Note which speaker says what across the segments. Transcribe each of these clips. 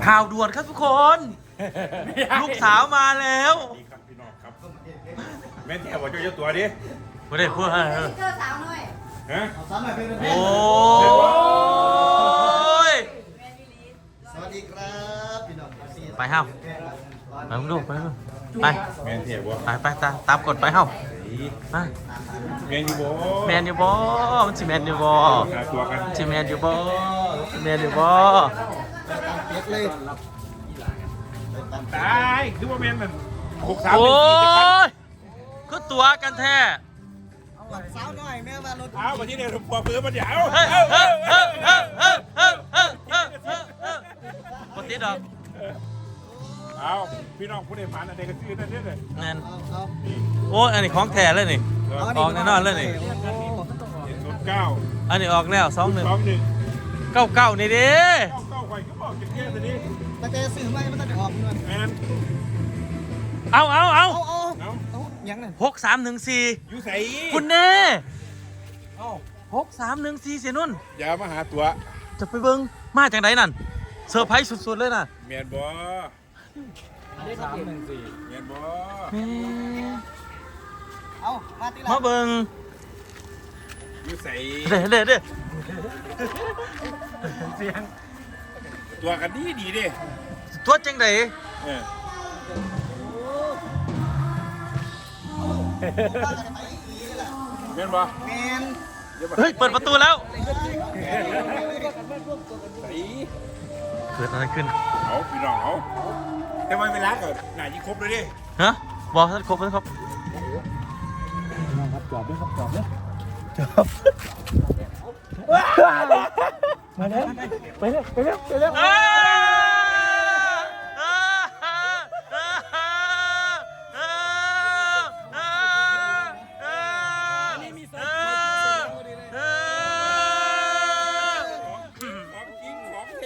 Speaker 1: ข่าวด่วนครับทุกคนลูกสาวมาแล้ว
Speaker 2: ดีครับพี่น้องครับแม่แถวว่าเจ้าตัวดิ
Speaker 1: ไม่ได้พูด
Speaker 3: เจอสาวหน่อย
Speaker 2: ฮะ
Speaker 4: เอาสามหน่อยเป็น
Speaker 1: โอ้ย
Speaker 4: สวัสดีครับพี่น้อง
Speaker 1: ไปห้าวไปมึงดูไปมึงไป
Speaker 2: แม่แถวว่า
Speaker 1: ไปตามกฎไปห้าวไป
Speaker 2: แม่อยู่บ่
Speaker 1: แมนอยู่บ่มันสิแมนอยู่บ่
Speaker 2: หาตัวกัน
Speaker 1: สิแมนอยู่บ่แมนอยู่บ่
Speaker 4: เล็กเลย
Speaker 2: ตายคือว่าแม่นมัน63
Speaker 1: โอ้
Speaker 2: 14จะคัน
Speaker 1: ยคือตัวกันแท้
Speaker 4: สาวหน่อยแม่มารถ
Speaker 2: เอามาที่นี่ผมปอเพื่อมันเดี๋ยว
Speaker 1: เฮ้ยเฮ้ยเฮ้ยเฮ้ยเฮ้ยเฮ้ยเฮ้ยเฮ้ยเฮ้ยเฮ้ยเฮ้ยปกติดอก
Speaker 2: เอาพี่น้องผู้ใดผ่านอะไรก็ซื้อนั่นเด้อเลย
Speaker 1: นั่น
Speaker 4: เอา
Speaker 1: โอ้อันนี้ของแท้เลยนี่ ออกแน่นอนเลยนี่
Speaker 2: 09
Speaker 1: อันนี้ออกแล้ว21
Speaker 2: 21
Speaker 1: 99นี่เด้
Speaker 2: เก้าไข่ก็บอกจะแก้ตัวนี้
Speaker 4: ตั้งแต่สื่อไม่มันต้องออกเงิน
Speaker 2: แมน
Speaker 1: เอา
Speaker 4: เอา ยังไง
Speaker 1: 6314
Speaker 2: อยู่ใส่
Speaker 1: คุณแน่6314เสียนุ่น
Speaker 2: อย่ามาหาตัว
Speaker 1: จะไปเบิ่งมาจากไหนนั่นเซอร์ไพรส์สุดๆเลยน่ะ
Speaker 2: แมนบ่
Speaker 4: 314
Speaker 2: แมนบ่
Speaker 1: แหม่
Speaker 4: เอามาตี
Speaker 1: มาเบิ่ง
Speaker 2: อยู่ใส่
Speaker 1: เด้
Speaker 2: ตัวกันดีดีเด้
Speaker 1: ตัวจังได
Speaker 2: เออแมนบ่
Speaker 4: แมน
Speaker 1: เฮ้ยเปิดประตูแล้ว
Speaker 2: ใส่
Speaker 1: เกิดอะไรขึ้น
Speaker 2: เอาพี่น้องเอาแต่ว่าเวลาก่อนหน่ายิ่งครบเลยดิ
Speaker 1: ฮะบอกท่านครบแล้วครับ
Speaker 4: ครับจอบด้วยครับจอบด้วย
Speaker 1: มาแล้วไปเร็ว
Speaker 2: ของจริงของแท้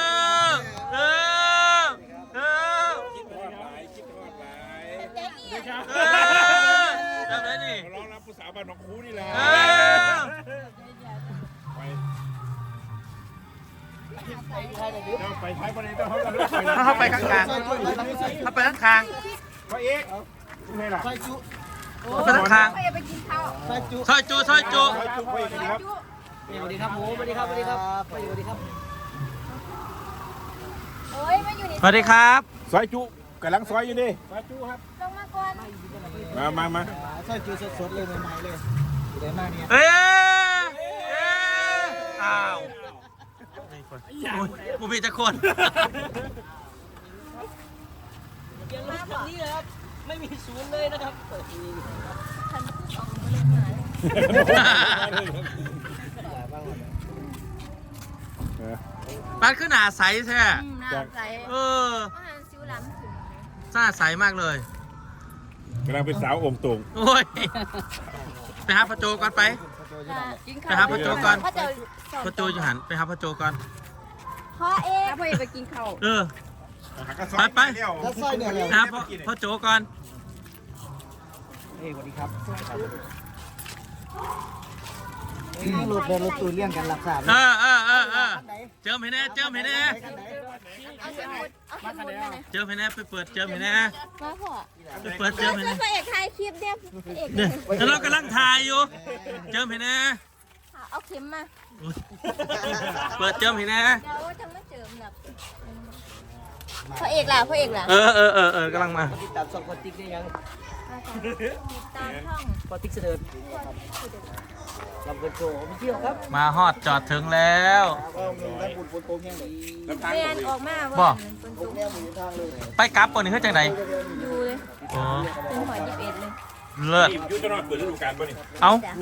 Speaker 2: คิดทอดหลายคิดทอดหลาย
Speaker 3: เจ๊นี่
Speaker 1: ทำไรนี่
Speaker 2: ขอร้องรับผู้สาวบ้านหนองคูนี่แหละไปเราไปท้ายประเด็นต้องเขาไป
Speaker 1: เข้าไปข้างๆเข้าไปข้าง
Speaker 2: พระเอกนี่ล่ะ
Speaker 4: ซอยจุ
Speaker 1: ๆเข้าไปข้าง
Speaker 3: ไปไปกินข้าว
Speaker 4: ซอยจุ
Speaker 1: ๆซอยจู
Speaker 2: พระเอกครับ
Speaker 4: สวัสดีครับผมสวัสดีครับสวัสดีครับสวัสดีครับ
Speaker 3: โอ้ยมาอยู่นี่
Speaker 1: สวัสดีครับ
Speaker 2: ซอยจุกำลังซอยอยู่ดิซอยจุครับ
Speaker 3: ลงมาก่อน
Speaker 2: มา
Speaker 4: ซอยจุสดๆเลยใหม่ๆเลยอยู่ได้มากเนี่ย
Speaker 1: เอ๊ะอ้าวกูมีจะคน
Speaker 5: ยังมาแบบนี้เลยครับ ไม่มีศูนย์เลยนะครับ
Speaker 3: ฉันคือสองคนเลยหมา
Speaker 1: มันขึ้นหนาใสแท้
Speaker 3: น้ำใส
Speaker 1: เออ
Speaker 3: อาหารซิวล้ำถึง
Speaker 1: หน้าใสมากเลย
Speaker 2: กำลังเป็นสาวองค์ตรง
Speaker 1: โอ้ย ไปหาพระโจก่อนไป
Speaker 3: กิน
Speaker 1: ไปหา
Speaker 3: ข้าว
Speaker 1: พระโจก่อน
Speaker 3: พ่อจะ
Speaker 1: พระโจอยู่หันไปหาพระโจก่อน
Speaker 3: พ่อเอ๊ะพ่อเอ๊ะไปกินข้าว
Speaker 1: เออ
Speaker 4: แล้วซอยเนี่ยเลย
Speaker 1: หาพระโจก่อน
Speaker 4: สวัสดีครับนี่รถเดินรถตูนเลี้ยงกันรักษา
Speaker 1: เจิมให้แน่เจิมให้แน่
Speaker 3: เอาสมุดเอาสมุดมาเลย
Speaker 1: เจิมให้แน่ไปเปิดเจิมให้แน่
Speaker 3: มาพ่อ
Speaker 1: ไปเปิดเจิมให้
Speaker 3: ช่วย
Speaker 1: แน่
Speaker 3: พ่อเอกถ่ายคลิปเนี่ยพ่อเอก
Speaker 1: เนี่ยแล้วเรากำลังถ่ายอยู่ เจิมให้แน่
Speaker 3: เอาเข็มมา
Speaker 1: เปิดเจิมให้แน่
Speaker 3: เดี๋ยวจะมาเจิมแบบพ่อเอกล่ะพ่อเอกล่ะ
Speaker 1: กำลังมา
Speaker 5: ติดตามสองคนติ๊กได้ยัง
Speaker 3: ติดตามช่อง
Speaker 5: พอติ๊กเสด็จลำเกินโชว์ไปเที่ยวครับ
Speaker 1: มาฮอดจอดถึงแล้ว
Speaker 4: ก็มีได้บุญโตแห้งเลย
Speaker 3: เรียนออกมา
Speaker 1: บ่
Speaker 3: ว่าเป็นตุ่ม
Speaker 4: แก้วมีทางเลย
Speaker 1: ไปกลับก่อนนี่เฮ้ยจังได
Speaker 3: อยู่เลย
Speaker 1: อ๋อ
Speaker 3: เป็นหัว21เลย
Speaker 1: เลิศ
Speaker 2: ยุทธนอดเปิดฤดูกาลป่ะนี่
Speaker 1: เอา
Speaker 3: จ้ะ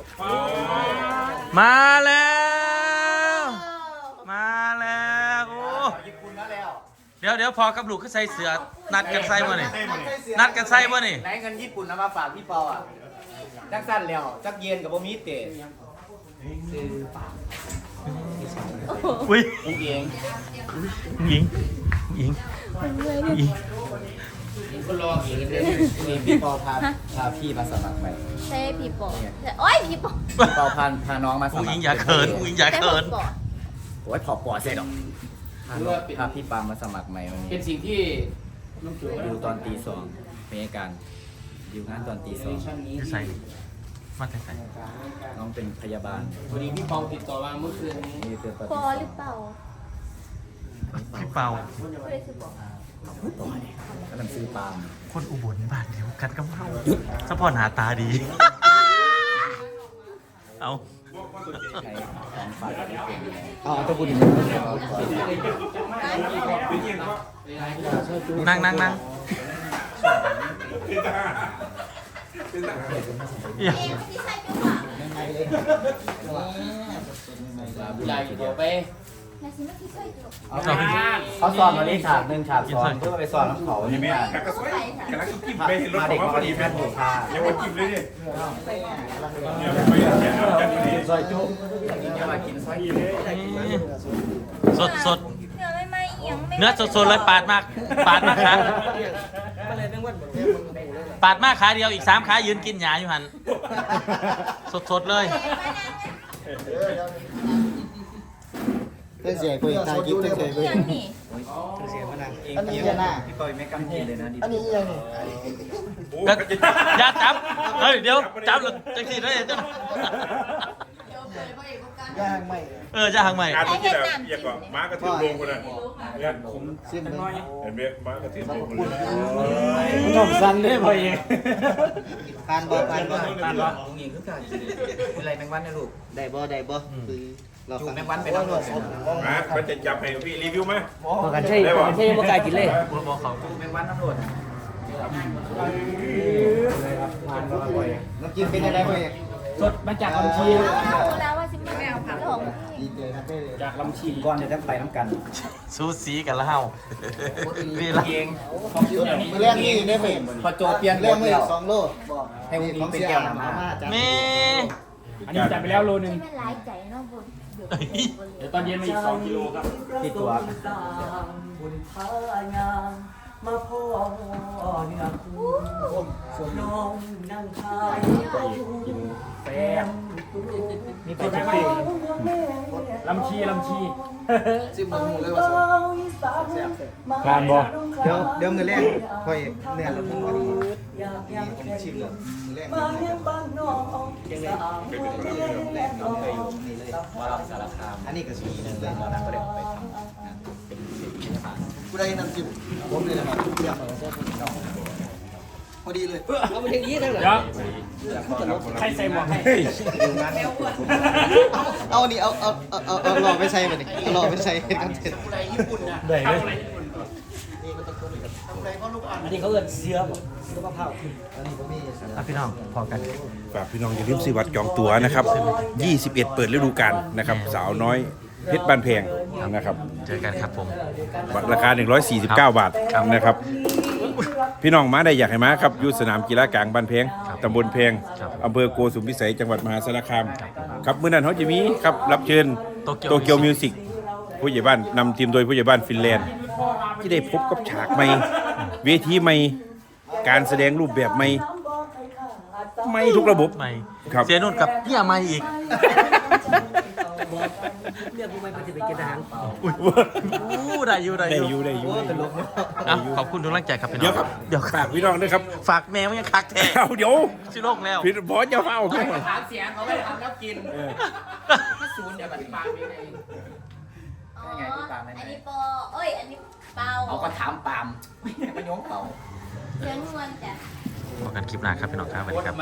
Speaker 1: มาแล้ว มาแล้วโอ้เดี๋ยวพอกับลูกก็ใส่เสือนัดกันใส่บ่นี่นัดกันใส่บ่นี่
Speaker 5: ไหนเงินญี่ปุ่นเอามาฝากพี่ปออ่ะจักสั้นแล้วจักเย็นกับบ่มีเตะซื้อฝาก
Speaker 1: อุ้ย
Speaker 5: อุ้งเอง
Speaker 1: หญิงหญิงหญิง
Speaker 5: ก็รออีกเดือนนี่พี่ปอพาพี่มาสมัครใหม่
Speaker 3: ใช่ผีปอบโอ้ยผีปอบ
Speaker 5: พี่ปอพาน้องมาส
Speaker 1: ผู้
Speaker 5: มั
Speaker 1: ห
Speaker 5: ค
Speaker 1: ญิ
Speaker 5: รง
Speaker 1: อย่าเขินผู้หญิงอย่าเขิน
Speaker 3: แต่ผมปอบ
Speaker 5: โอ้ยถอดปอดเสร็จหรอกพาพี่ปามาสมัครใหม่วันนี้
Speaker 6: เป็นสิ่งที่
Speaker 5: ดิวตอนตี 2เป็นการดิวงานตอนตี
Speaker 1: จะใส่มาใส่
Speaker 5: 2น้องเป็นพยาบาล
Speaker 6: พอดีพี่เปาติดต่อมาเมื่อคืนนี้
Speaker 5: มีเตือนป
Speaker 3: ปอหรือเปล่า
Speaker 1: พี่เปา
Speaker 3: ไม่ได้คือปอ
Speaker 5: ก็นำซื้อปาล์ม
Speaker 1: คนอุบลบ้านเดียวกันกับเฮาสปอร์ตหาตาดี เอา
Speaker 5: ใช้ของฝากที่เป็น
Speaker 4: เอาตะบุญ
Speaker 1: นั่งอย่า
Speaker 3: ที่ใส่จุ๊บอ่ะ
Speaker 4: ใหม่ๆเลย
Speaker 6: เวลาเดี๋ยวไป
Speaker 3: นาซิมาที่ใส่จุ๊บ
Speaker 5: เขาสอนวันนี้ฉาก1ฉาก2เพื่อไปสอนน้ำเขา
Speaker 2: นี่แม่
Speaker 5: เนี่ย
Speaker 2: กระสวยกระลักกิมไปรถของพอดีแม่ถูกพายังว่ากิมเลยดิเนี่ยไป
Speaker 5: ซอยจุ๊บจะมากินซอยจุ๊บ
Speaker 1: สด
Speaker 3: เนื้อไม่เอียงไม่
Speaker 1: เนื้อสดเลยปาดมากขาปาดมากขาเดียวอีก3ขายืนกินหญ้าอยู่หันสดเลย
Speaker 4: เพื่อนเสียคุยตายกิ๊บเพื่อนเสียคุย
Speaker 3: ยังนี่
Speaker 4: เสียมานั่ง
Speaker 5: อันนี้หน้าพี่ปอยไม่กำกินเลยนะดิ
Speaker 4: อันนี้ยังไง
Speaker 1: ก็อย่าจับเฮ้ยเดี๋ยวจับจังสีได้จัง
Speaker 4: ย่างไม่
Speaker 1: จะหังใหม่
Speaker 2: งานเมื่อกี้แบบอยากว่าม้ากระทืบลงกันนะเนี่ยผม
Speaker 4: ซิมเลย
Speaker 2: เห็นไหมม้ากระทืบลงเลย
Speaker 4: น้องสันได้พอเองปานบ่
Speaker 5: ลุงยิงคือการกินอะไรแมงวันนะลูก
Speaker 4: ได้บ่คือเรา
Speaker 5: จูแมงวันไปน้ำรถ
Speaker 2: มาเขาจะจับให้พี่รีวิวไหม
Speaker 4: กันใช่กันใช่บ่กล้ากินเลย
Speaker 1: บอกเขา
Speaker 5: จูแมงวันน้ำรถ
Speaker 4: น้ำจิ้มเป็นอะไรพอเอง
Speaker 6: สดมาจากลำชี
Speaker 3: เอาแล้วว่าซิมาเอาผักหอม
Speaker 4: ดีเจครับเป้
Speaker 6: จากลำชี
Speaker 5: ก่อนเดี๋ยวต้องไปน้ำกัน
Speaker 1: ซูซีกันแล้วเฮานี่ละ
Speaker 5: เอง
Speaker 4: มือแรกนี่ได้เห็น
Speaker 5: พอโจเปลี่ยน
Speaker 4: เรื่องมือ2 โล
Speaker 5: ให้วงนี้เป็นแก้วน้ำมา
Speaker 1: แม่
Speaker 6: อันนี้จัดไปแล้วโลนึง
Speaker 3: ที่มันร้ายใจเนาะบุญ
Speaker 6: เดี๋ยวตอนเย็นมาอีก2 กิโลครับ
Speaker 5: ที่ตัว
Speaker 7: บุญพางามมาพ่อเนื้อคู่น้องนั่งทายแฟน
Speaker 6: มีใครจะไปลำชี
Speaker 4: ซิมหมูเลยว่า
Speaker 6: การบอก
Speaker 4: เดี๋ยวมือแรกพอเองเนี่ยเราต้องมาดี
Speaker 7: อยากอยาก
Speaker 4: ผมชิมเลยมือแรก
Speaker 7: มาเลี้ยงบ้านน้องสาว
Speaker 4: แรกเราเคยอยู่นี่เลย
Speaker 5: มาเราสารคาม
Speaker 4: อันนี้ก็สีนึงเลย
Speaker 5: ตอนนั้นก็ได้ไปทำงานเป็นพยาบาล
Speaker 4: กูได้น้ำจิ้มผมเลยนะครับเยี่ยมเลยพอดีเลยเอาไปเทนี้ได้เหรอ
Speaker 6: เดี๋ยวใครใส่หมวกให้
Speaker 4: เอานี่เอาหล่อไปใส่ไปนี่เอาหล่อไปใส่กันเสร็จ
Speaker 1: ได้เลย
Speaker 7: อันนี้เขาเอิ้นเสือบ่เสือมะพร้าว
Speaker 4: อันนี้ผมมี
Speaker 1: พี่น้องพอกัน
Speaker 2: ฝากพี่น้องอย่าลืมซื้อบัตรจองตั๋วนะครับ21เปิดฤดูกาลนะครับสาวน้อยเพชรบ้านแพงนะครับ
Speaker 1: เจอกันครับผม
Speaker 2: บัตรราคา149 บาทนะครับ พี่น้องมาได้อยากให้มาครับอยู่สนามกีฬากลางบ้านแพงตำบลแพงอำเภอโกสุมพิสัยจังหวัดมหาสารคามครับมื้อนั้นเขาจะมีครับรับเชิญโตเกียวมิวสิกผู้ใหญ่บ้านนำทีมโดยผู้ใหญ่บ้านฟินแลนด์ที่ได้พบกับฉากใหม่เวทีใหม่การแสดงรูปแบบใหม่ใหม่ทุกระบบ
Speaker 1: ใหม่
Speaker 2: ครับ
Speaker 1: เสียนุ่นกับเฮียใหม่อีก
Speaker 7: เรียกกูไม่ไปสิไปกินอาหาร
Speaker 1: ได้อยู่
Speaker 2: ได้อยู่
Speaker 1: ขอบคุณทุกกำลังใจครับพี่น้อง
Speaker 2: เดี๋ยวครับ
Speaker 1: เดี๋ยว
Speaker 2: ฝากพี่น้องด้วยครับ
Speaker 1: ฝากแมวยังคักแท้
Speaker 2: เอาเดี๋ยว
Speaker 1: ชิโลกแล้ว
Speaker 2: พี่บอสจะเฝ้าครับ
Speaker 6: ถามเสียงเขาไม่ทำแล้วกินถ้าศูนย์เดี๋ยวปฏิบัติเอง
Speaker 3: อ๋ออันนี้ปอเอ้ยอันนี้เปา
Speaker 5: เอาก็ถามปามไม่โยงเป่า
Speaker 3: เสียงนวลจ้ะ
Speaker 1: พบกันคลิปหน้าครับพี่น้องครับสวัสดีครับ